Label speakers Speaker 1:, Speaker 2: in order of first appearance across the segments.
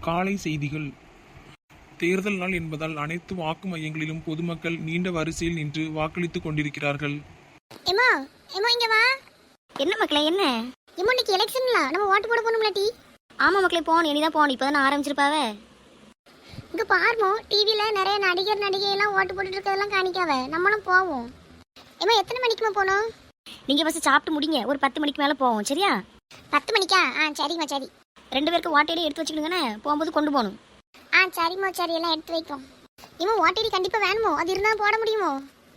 Speaker 1: காலை செய்திகள். தேர்தல் நாள் என்பதால் அனைத்து வாக்கு மையங்களிலும் பொதுமக்கள் நீண்ட வரிசையில் நின்று வாக்களித்துக் கொண்டிருக்கிறார்கள்.
Speaker 2: எம்மா எம்மா இங்க வா.
Speaker 3: என்ன மக்களே என்ன?
Speaker 2: எம்மா இன்னைக்கு எலெக்ஷன்ல நம்ம ஓட்டு போட போகணும்ல டி.
Speaker 3: ஆமா மக்களே போகணும், இனிதான் போகணும். இப்போதான் ஆரம்பிச்சிருப்பாவே.
Speaker 2: இங்க பாருமோ டிவில நிறைய நடிகர் நடிகை எல்லாம் ஓட்டு போட்டுட்டு இருக்கதெல்லாம் காணிக்காவ. நம்மளும் போவோம். எம்மா எத்தனை மணிக்குமா போகணும்?
Speaker 3: நீங்க ஃபர்ஸ்ட் சாப்பிட்டு முடிங்க, ஒரு 10 மணிக்கு மேல போவோம். சரியா?
Speaker 2: 10 மணிக்கா? சரிம்மா சரி.
Speaker 3: 2 பேருக்கு வாட்டையில எடுத்து வச்சுக்கிடுங்கண்ணே, போகும்போது கொண்டு போகணும்.
Speaker 2: சரிம்மா சரி, எல்லாம் எடுத்து வைப்போம். இம்மா ஓட்டேரி கண்டிப்பா வேணுமோ? அது இருந்தா போட முடியுமோ?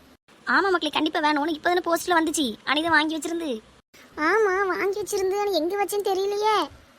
Speaker 3: ஆமா மக்களே கண்டிப்பா வேணும். இப்போதானே போஸ்ட்ல வந்துச்சு, அன்னைக்கு வாங்கி வச்சிருந்து.
Speaker 2: ஆமா வாங்கி வச்சிருந்து, எங்க வச்சேன்னு தெரியலையே.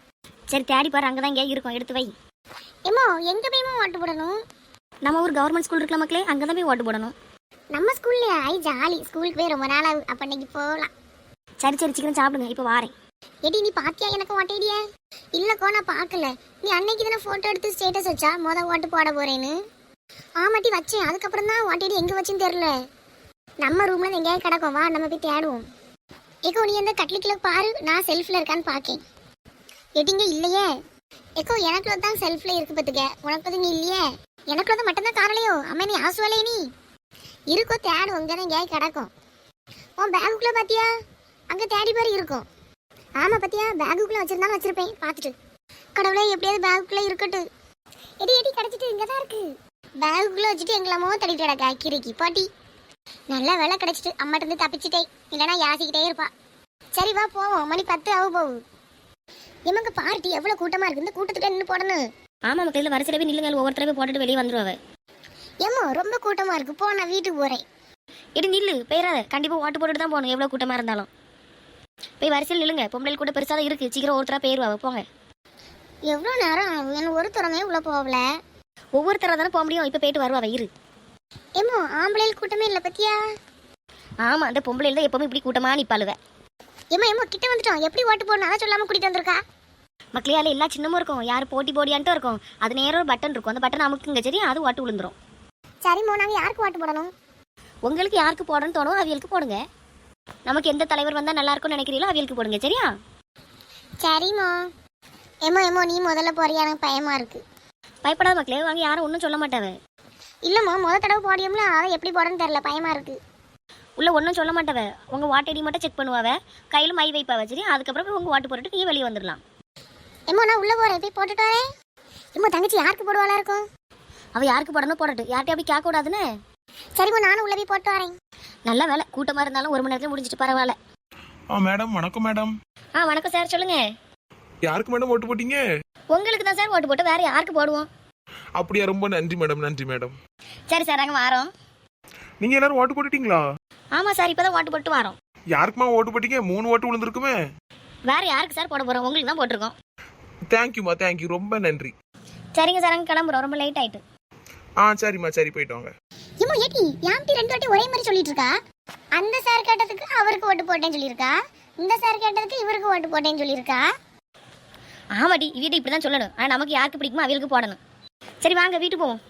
Speaker 3: சரி தேடி பாரு, அங்கதான் இங்கே இருக்கும், எடுத்து வை.
Speaker 2: எம்மா எங்க போய்மா ஓட்டு போடணும்?
Speaker 3: நம்ம ஒரு கவர்மெண்ட் ஸ்கூல் இருக்குல்ல மக்களே, அங்கதான் போய் ஓட்டு போடணும்.
Speaker 2: நம்ம ஸ்கூல்லையா? ஜாலி. ஸ்கூலுக்கு போய் ரொம்ப நாள் ஆகுது, அப்ப இன்னைக்கு போகலாம்.
Speaker 3: சரி சரி சீக்கிரம் சாப்பிடுங்க, இப்போ வாரேன்.
Speaker 2: ஏடி நீ பாத்தியா எனக்கு ஓட்டேடிய? இல்லக்கோ நான் பார்க்கல. நீ அன்னைக்கு தானே போட்டோ எடுத்து ஸ்டேட்டஸ் வச்சா ஓட்டு போட போறேன்னு. ஆமாட்டி வச்சேன், அதுக்கப்புறம் தான் ஓட்டேடி எங்க வச்சுன்னு தெரியல. நம்ம ரூம்ல எங்கேயாவது கிடக்கும், வா நம்ம போய் தேடுவோம். ஏக்கோ நீ அந்த கட்லிக்குள்ள பாரு, நான் செல்ஃப்ல இருக்கான்னு பாக்கேன். எடிங்க இல்லையே. ஏக்கோ எனக்குள்ள தான் செல்ஃப்ல இருக்கு பத்துக்க, உனக்கு பத்தி நீ இல்லையே. எனக்குள்ள தான் மட்டும் தான் காரலையோ? அம்மா நீ ஆசுவாலே நீ இருக்கோ, தேடு உங்கதான் எங்கேயாவது கிடக்கும். உன் பேகுக்குள்ள பாத்தியா? அங்க தேடி பாரு இருக்கும். ஆமா பாத்தியா, பேகுக்குள்ள வச்சிருந்தாலும் வச்சிருப்பேன், பாத்துட்டு. கடவுளே எப்படியாவது பேகுக்குள்ள இருக்கட்டும். எடி எடி கிடைச்சிட்டு, இங்கதான் இருக்கு. பேகுக்குள்ள வச்சுட்டு எங்களாமோ தடிட்டு கிடக்க கிரிக்கி பாட்டி. நல்ல வேலை கிடைச்சிட்டு, அம்மாட்ட இருந்து தப்பிச்சுட்டே, இல்லைன்னா யாசிக்கிட்டே இருப்பா. சரி வா போவோம், மணி 10 ஆக போகுது. எமங்க பார்ட்டி எவ்வளவு கூட்டமா இருக்கு, இந்த கூட்டத்துக்கு நின்று போடணும்.
Speaker 3: ஆமா மக்கள் வரிசையில போய் நில்லுங்க, ஒவ்வொருத்தர போய் போட்டுட்டு வெளியே வந்துருவாங்க.
Speaker 2: ஏமோ ரொம்ப கூட்டமா இருக்கு, போ நான் வீட்டுக்கு போறேன்.
Speaker 3: இடி நில்லு, போயிடாத, கண்டிப்பா ஓட்டு போட்டுட்டு தான் போகணும், எவ்வளவு கூட்டமா இருந்தாலும். போய் வரிசையில் நில்லுங்க, பொம்பளை கூட பெருசா தான் இருக்கு, சீக்கிரம் ஒருத்தரா போயிருவாங்க, போங்க.
Speaker 2: எவ்வளோ நேரம் என்ன ஒரு திறமே உள்ள போகல.
Speaker 3: ஒவ்வொருத்தரா தானே போக முடியும், இப்ப போயிட்டு வருவாங்க இரு.
Speaker 2: ஏமோ ஆம்பளையில் கூட்டமே இல்லை பத்தியா?
Speaker 3: ஆமா அந்த பொம்பளை தான் எப்பவுமே இப்படி கூட்டமா நிப்பாளுவ.
Speaker 2: ஏமா ஏமா கிட்ட வந்துட்டோம், எப்படி ஓட்டு போடணும் அதை சொல்லாம கூட்டிட்டு வந்திருக்கா.
Speaker 3: மக்களையால எல்லா சின்னமும் இருக்கும், யாரு போட்டி போடியான்ட்டு இருக்கும். அது நேரம் ஒரு பட்டன் இருக்கும், அந்த பட்டன் அமுக்குங்க, சரி அது ஓட்டு விழுந்துரும்.
Speaker 2: சரிம்மா நாங்க யாருக்கு ஓட்டு போடணும்?
Speaker 3: உங்களுக்கு யாருக்கு போடணும்னு தோணும் அவியலுக்கு போடுங்க. நமக்கு எந்த தலைவர் வந்தா நல்லா இருக்கும்னு நினைக்கிறீங்களோ அவியலுக்கு போடுங்க, சரியா?
Speaker 2: சரிம்மா. ஏமோ ஏமோ நீ முதல்ல போறியா? எனக்கு பயமா இருக்கு.
Speaker 3: பயப்படாத மக்களே, வாங்க, யாரும் ஒன்றும் சொல்ல மாட்டாவ.
Speaker 2: இல்லம்மா தடவை போடியோம்ல, அதை எப்படி போடணும்னு தெரியல, பயமா இருக்கு.
Speaker 3: உள்ள ஒன்றும் சொல்ல மாட்டாவ, உங்க வாட்டடி மட்டும் செக் பண்ணுவாவ, கையில் மை வைப்பாவ, சரி? அதுக்கப்புறம் உங்க வாட்டு போட்டுட்டு நீ வெளியே வந்துடலாம்.
Speaker 2: ஏமோ நான் உள்ள போறேன், போய் போட்டுட்டு வரேன். ஏமோ தங்கச்சி யாருக்கு போடுவாளா இருக்கும்?
Speaker 3: அவ யாருக்கு போடணும் போடட்டு, யார்கிட்ட அப்படி கேட்க கூடாதுன்னு.
Speaker 2: சரிம்மா நானும் உள்ள போய் போட்டு வரேன்.
Speaker 3: நல்ல வேலை, கூட்டமா இருந்தாலும் 1 மணி நேரத்துல முடிஞ்சிட்டு பரவாயில்ல.
Speaker 1: மேடம் வணக்கம் மேடம்.
Speaker 3: வணக்கம் சார், சொல்லுங்க.
Speaker 1: யாருக்கு மேடம் ஓட்டு போட்டீங்க?
Speaker 3: உங்களுக்கு தான் சார் ஓட்டு போட்டு, வேற யாருக்கு போடுவோம்?
Speaker 1: அப்படியா, ரொம்ப நன்றி மேடம், நன்றி மேடம்.
Speaker 3: சரி சார், நாங்கள் வரோம்.
Speaker 1: நீங்க எல்லாரும் ஓட்டு போட்டுட்டீங்களா?
Speaker 3: ஆமா சார், இப்பதான் ஓட்டு போட்டு வரோம்.
Speaker 1: யாருக்குமா ஓட்டு போட்டீங்க? 3 ஓட்டு விழுந்திருக்குமே.
Speaker 3: வேற யாருக்கு சார் போட போறோம்? உங்களுக்கு தான் போட்டிருக்கோம்.
Speaker 1: தேங்க்யூமா, தேங்க்யூ, ரொம்ப நன்றி.
Speaker 3: சரிங்க சார், நாங்கள் கிளம்புறோம், ரொம்ப லேட் ஆயிட்டு.
Speaker 1: சரிம்மா, சரி போயிட்டு வாங்க.
Speaker 2: ஏமோ ஏட்டி யாம்டி 2 வாட்டி ஒரே மாதிரி சொல்லிட்டு இருக்கா. அந்த சார் கேட்டதுக்கு அவருக்கு ஓட்டு போட்டேன்னு சொல்லியிருக்கா, இந்த சார் கேட்டதுக்கு இவருக்கு ஓட்டு போட்டேன்னு சொல்லியிருக்கா.
Speaker 3: ஆமாடி, வீட்டை இப்படிதான் சொல்லணும். ஆனா நமக்கு யாருக்கு பிடிக்குமோ அவங்களுக்கு போடணும். சரி வாங்க வீட்டுக்கு போவோம்.